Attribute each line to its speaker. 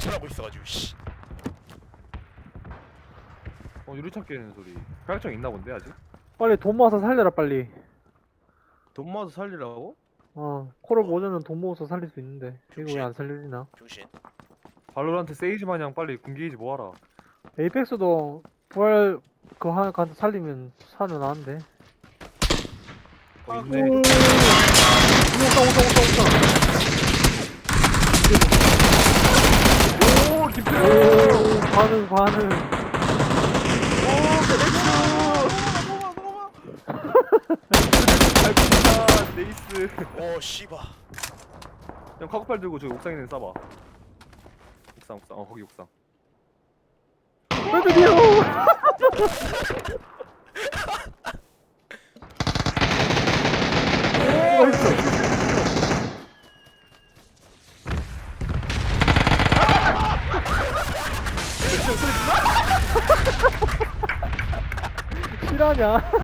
Speaker 1: 탈출하고 있어가지고 씨.
Speaker 2: 유리창 깨는 소리. 가격증 있나 본데 아직?
Speaker 3: 빨리 돈 모아서 살려라 빨리.
Speaker 4: 돈 모아서 살리라고?
Speaker 3: 콜옵 오전은 돈 모아서 살릴 수 있는데 이거 왜
Speaker 1: 병신.
Speaker 3: 안 살려지나?
Speaker 1: 병신.
Speaker 2: 발로란트 세이지 마냥 빨리 군기이지 뭐하라.
Speaker 3: 에이펙스도 부활 그거 하나 가서 살리면 살아나는데.
Speaker 2: 있네.
Speaker 3: 오다
Speaker 2: 오 김태호.
Speaker 3: 오 반응.
Speaker 2: 잘 푼다 네이스.
Speaker 1: 오 씨바.
Speaker 2: 형 카고팔 들고 저기 옥상에 있는 쏴봐. 옥상. 거기 옥상.
Speaker 3: 드디어. 실화냐?